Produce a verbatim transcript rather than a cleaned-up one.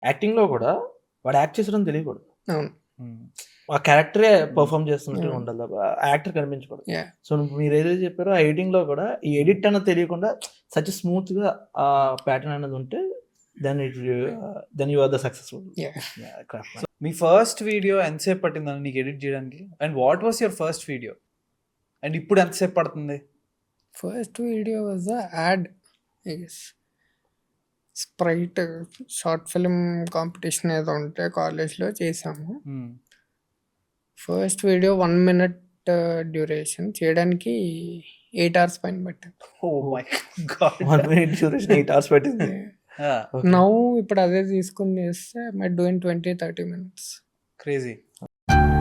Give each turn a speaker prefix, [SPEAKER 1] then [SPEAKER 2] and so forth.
[SPEAKER 1] యాక్టింగ్‌లో కూడా వాడు యాక్ట్ చేసాడని తెలియకూడదు.
[SPEAKER 2] అవును.
[SPEAKER 1] ఆ క్యారెక్టరే
[SPEAKER 2] హ్మ్.
[SPEAKER 1] పెర్ఫార్మ్ చేస్తున్నట్టుగా
[SPEAKER 2] హ్మ్.
[SPEAKER 1] ఉండాలి తప్ప యాక్టర్ కనిపించకూడదు.
[SPEAKER 2] యాహ్!
[SPEAKER 1] సో, మీరు ఏదైతే చెప్పారో ఆ ఎడిటింగ్‌లో కూడా ఈ ఎడిట్ అన్నది తెలియకుండా సచ్ స్మూత్‌గా ఆ ప్యాటర్న్ అనేది ఉంటే then it then you are the successful.
[SPEAKER 2] Yeah!
[SPEAKER 1] Yeah! Craft
[SPEAKER 3] so, మీ ఫస్ట్ వీడియో ఎంతసేపు పట్టిందని నీకు ఎడిట్ చేయడానికి? And what was your first video? And ఇప్పుడు ఎంతసేపు పడుతుంది?
[SPEAKER 2] First video was a ad I guess. Sprite short film competition ఏదో ఉంటే కాలేజ్‌లో చేశాము.
[SPEAKER 3] Hmm.
[SPEAKER 2] First video one minute duration చేయడానికి ఎయిట్ అవర్స్ పైన పట్టింది.
[SPEAKER 3] Oh my God!
[SPEAKER 1] One minute duration eight hours పట్టింది.
[SPEAKER 3] ఆ!
[SPEAKER 1] ఓకే.
[SPEAKER 2] నౌ ఇప్పుడు అదే తీసుకొని చేస్తే I might do in twenty thirty minutes.
[SPEAKER 3] Crazy.